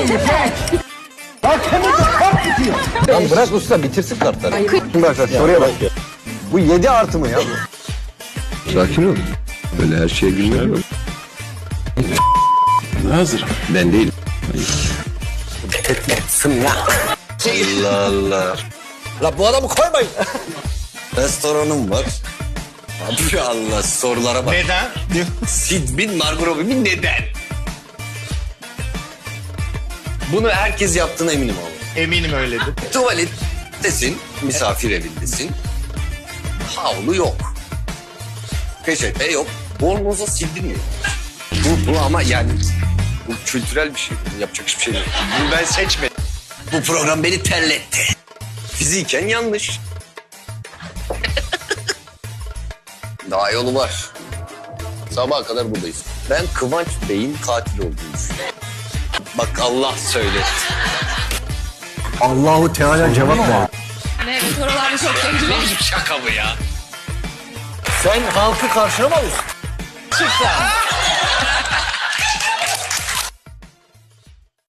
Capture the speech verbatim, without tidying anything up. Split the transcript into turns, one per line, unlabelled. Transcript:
Hakemimiz kart tutuyor.
Lan bırak usta bitirsin kartları. Şimdi bak soruya bak. Bu yedi artı mı ya bu?
Sakin ol. Böyle her şeye gülmeye bak. Hazır. Ben değilim.
Allah Allah. La bu adamı koymayın. Restoranım var. Abi Allah sorulara bak.
Neden?
Sid bin Margot Robbie neden? Bunu herkes yaptığına eminim abi.
Eminim öyledir.
Tuvalettesin, misafir evindesin. Havlu yok. Peçete yok. Bornoza sildirmiyor. Bu, bu ama yani bu kültürel bir şey. Yapacak hiçbir şey yok.
Bunu ben seçmedim.
Bu program beni terletti. Fiziken yanlış. Daha yolu var. Sabaha kadar buradayız. Ben Kıvanç Bey'in katil olduğunu düşünüyorum. Bak Allah söylesin.
Allahu Teala cevap ver.
Evet, oralarda çok sevdim.
Şaka mı ya? Sen halkı karşılamalısın.
Çıkar.